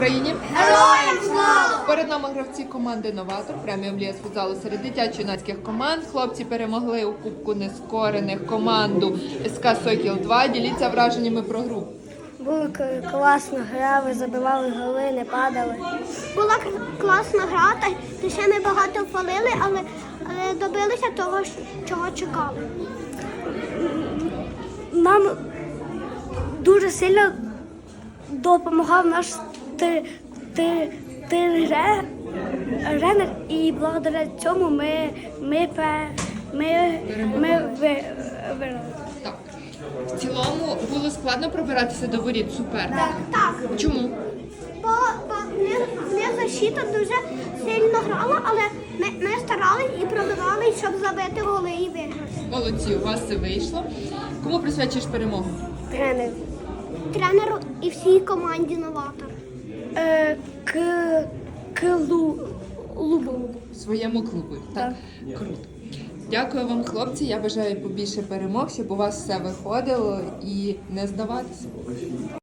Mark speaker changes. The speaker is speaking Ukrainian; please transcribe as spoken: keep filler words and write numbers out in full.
Speaker 1: Україні
Speaker 2: Героям слава!
Speaker 1: перед нами гравці команди «Новатор» преміум ліги з футзалу серед дитячо-юнацьких команд. Хлопці перемогли у Кубку Нескорених команду ес ка «Сокіл два». Діліться враженнями про гру.
Speaker 2: Була класна гра, ви забивали голи, не падали. Була класна гра, та ще ми багато впалили, але, але добилися того, чого чекали. Нам дуже сильно допомагав наш ти, ти, тренер, і благодаря цьому ми, ми, ми, ми виграли.
Speaker 1: Так. В цілому було складно пробиратися до воріт суперника?
Speaker 2: Так.
Speaker 1: Чому?
Speaker 2: Бо, бо не, не защита дуже сильно грала, але ми, ми старались і пробивали, щоб забити голи і виграти.
Speaker 1: Молодці, у вас це вийшло. Кому присвячуєш перемогу?
Speaker 2: Тренер. Тренеру і всій команді «Новатор». Е, к, клу, лубу.
Speaker 1: Своєму клубу. Так. Круто. Дякую вам, хлопці. Я бажаю побільше перемог, щоб у вас все виходило і не здаватися.